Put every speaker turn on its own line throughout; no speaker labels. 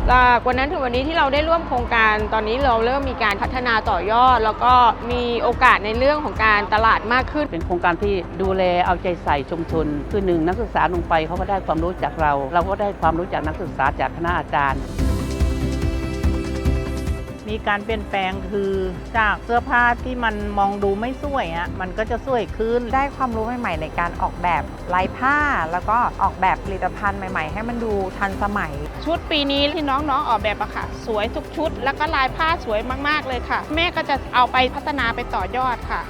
จากวันนั้นถึงวันนี้ที่เราได้ร่วมโครงการตอนนี้เราเริ่มมีการพัฒนาต่อยอดแล้วก็มีโอกาสในเรื่องของการตลาดมากขึ้น
เป็นโครงการที่ดูแลเอาใจใส่ชุมชนคือหนึ่งนักศึกษาลงไปเขาก็ได้ความรู้จากเราก็ได้ความรู้จากนักศึกษาจากคณะอาจารย์
มีการเปลี่ยนแปลงคือจากเสื้อผ้าที่มันมองดูไม่สวยมันก็จะสวยขึ้น
ได้ความรู้ใหม่ๆในการออกแบบลายผ้าแล้วก็ออกแบบผลิตภัณฑ์ใหม่ๆให้มันดูทันสมัย
ชุดปีนี้ที่น้องๆออกแบบอะค่ะสวยทุกชุดแล้วก็ลายผ้าสวยมากๆเลยค่ะแม่ก็จะเอาไปพัฒนาไปต่อยอดค่ะ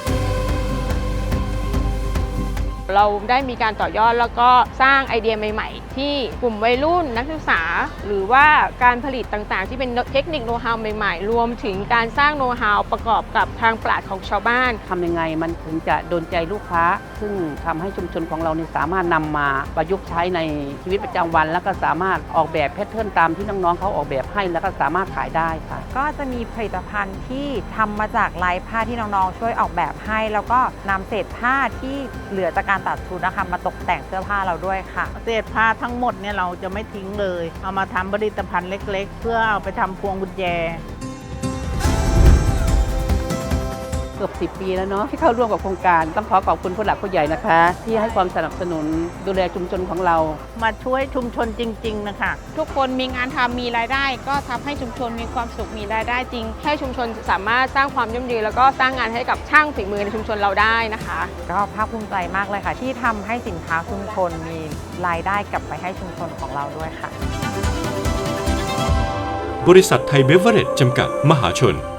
เราได้มีการต่อยอดแล้วก็สร้างไอเดียใหม่ๆที่กลุ่มวัยรุ่นนักศึกษาหรือว่าการผลิตต่างๆที่เป็นเทคนิคโน้ตฮาวใหม่ๆรวมถึงการสร้างโน้ตฮาวประกอบกับทางปราชญ์ของชาวบ้าน
ทำยังไงมันถึงจะโดนใจลูกค้าซึ่งทำให้ชุมชนของเราสามารถนำมาประยุกต์ใช้ในชีวิตประจำวันแล้วก็สามารถออกแบบแพทเทิร์นตามที่น้องๆเขาออกแบบให้แล้วก็สามารถขายได้ค่ะ
ก็จะมีผลิตภัณฑ์ที่ทำมาจากลายผ้าที่น้องๆช่วยออกแบบให้แล้วก็นำเศษผ้าที่เหลือจากการตัดชุดนะคะมาตกแต่งเสื้อผ้าเราด้วยค่ะ
เศษผ้าทั้งหมดเนี่ยเราจะไม่ทิ้งเลยเอามาทำผลิตภัณฑ์เล็กๆเพื่อเอาไปทำพวงกุญแจ
เกือบ10 ปีแล้วเนาะที่เข้าร่วมกับโครงการต้องขอขอบคุณผู้หลักผู้ใหญ่นะคะที่ให้ความสนับสนุนดูแลชุมชนของเรา
มาช่วยชุมชนจริงๆนะคะ
ทุกคนมีงานทำมีรายได้ก็ทำให้ชุมชนมีความสุขมีรายได้จริง
ให้ชุมชนสามารถสร้างความยั่งยืนแล้วก็สร้างงานให้กับช่างฝีมือในชุมชนเราได้นะคะ
ก็ภาคภูมิใจมากเลยค่ะที่ทำให้สินค้าชุมชนมีรายได้กลับไปให้ชุมชนของเราด้วยค่ะ
บริษัทไทยเบเวอเรจจำกัดมหาชน